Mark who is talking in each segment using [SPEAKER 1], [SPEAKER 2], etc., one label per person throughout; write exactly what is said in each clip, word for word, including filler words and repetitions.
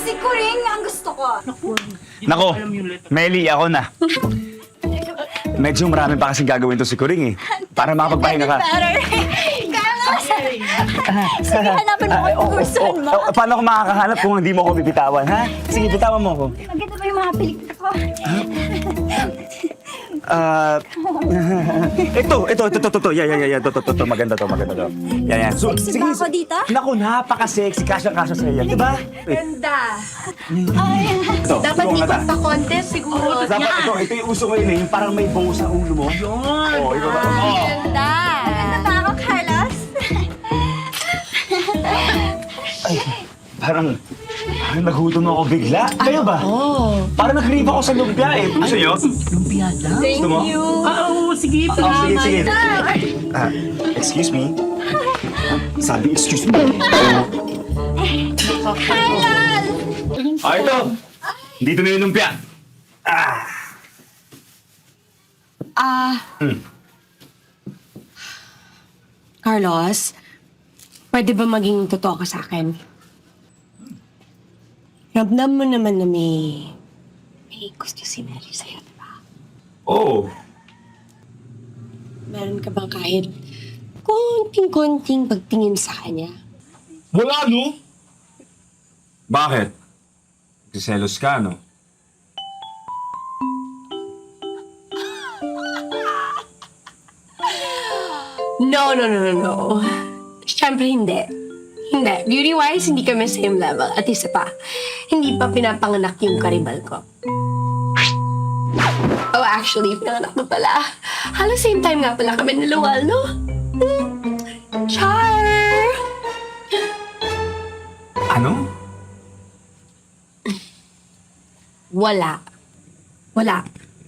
[SPEAKER 1] Si Kuring ang gusto ko.
[SPEAKER 2] Nako, Meli, ako na. Medyo marami pa kasing gagawin to si Kuring eh. Para makapagpahinga ka.
[SPEAKER 1] Better. Kaya nga, sige, hanapin mo kung gustuhan mo.
[SPEAKER 2] Oh, paano ako makakahanap kung hindi mo ako bibitawan, ha? Sige, bitawan mo ako.
[SPEAKER 1] Maganda ba yung mga pelikula ko?
[SPEAKER 2] Ah, ito, ito, ito, ito, ito, yan, yan, yan, yan, ito, ito, ito, maganda to, maganda to. Yan, yan. So,
[SPEAKER 1] Sexy ba ako dito?
[SPEAKER 2] Naku, napaka-sexy, kasya-kasya sa'yo yan, di ba?
[SPEAKER 3] Ganda.
[SPEAKER 2] Ito,
[SPEAKER 3] Dapat
[SPEAKER 2] ito,
[SPEAKER 3] ikot
[SPEAKER 2] mata.
[SPEAKER 3] pa contest siguro.
[SPEAKER 2] Dapat ito, ito yung uso ngayon eh, yung parang may bow sa ulo mo.
[SPEAKER 3] Yun.
[SPEAKER 2] Oo, ikaw ba? Oo.
[SPEAKER 3] Ganda.
[SPEAKER 1] Maganda ba ako, Carlos?
[SPEAKER 2] Ay, parang, parang nagutom ako bigla. Kayo ba?
[SPEAKER 3] Oh.
[SPEAKER 2] Parang nag-rave ako sa lumpia eh. Gusto nyo?
[SPEAKER 4] Lumpia lang?
[SPEAKER 3] Thank
[SPEAKER 2] Gusto mo?
[SPEAKER 3] you.
[SPEAKER 4] Ah, oo, sige.
[SPEAKER 2] Oh,
[SPEAKER 4] Salamat.
[SPEAKER 2] sige, sige. Ah, excuse me? Sabi, excuse me. Ah, ito. Dito na yung lumpia. Ah.
[SPEAKER 3] Ah.
[SPEAKER 2] Hmm.
[SPEAKER 3] Carlos, pwede ba maging totoo ka sa akin? Ramdam mo naman na may... may gusto si Mary sa'yo, di ba?
[SPEAKER 2] Oo.
[SPEAKER 3] Meron ka bang kahit konting-konting pagtingin sa kanya?
[SPEAKER 2] Wala, no? Bakit? Nagsiselos ka, no?
[SPEAKER 3] No, no, no, no, no. Siyempre hindi. Hindi. Beauty-wise, hindi kami same level. At isa pa, hindi pa pinapanganak yung karibal ko. Oh, actually, pinanganak mo pala. Halos same time nga pala kami nilawal, no? Hmm. Char!
[SPEAKER 2] Ano?
[SPEAKER 3] Wala. Wala.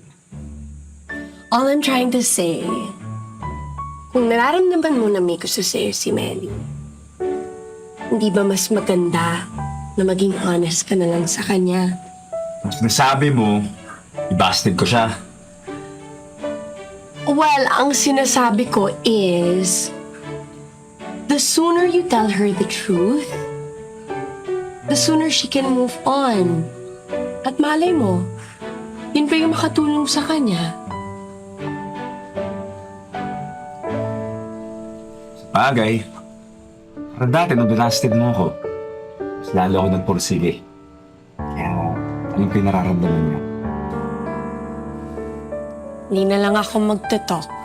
[SPEAKER 3] All I'm trying to say, kung nararamdaman mo na may gusto sa'yo si Melly, hindi ba mas maganda na maging honest ka na lang sa kanya?
[SPEAKER 2] Sinasabi mo, i-busted ko siya.
[SPEAKER 3] Well, ang sinasabi ko is, the sooner you tell her the truth, the sooner she can move on. At malay mo, yun pa yung makatulong sa kanya.
[SPEAKER 2] Bagay. Parang dati nung binasted mo ako, mas lalo ako nagpursige. Kaya, alam ko yung nararamdaman niya.
[SPEAKER 3] Hindi na lang ako magte-talk.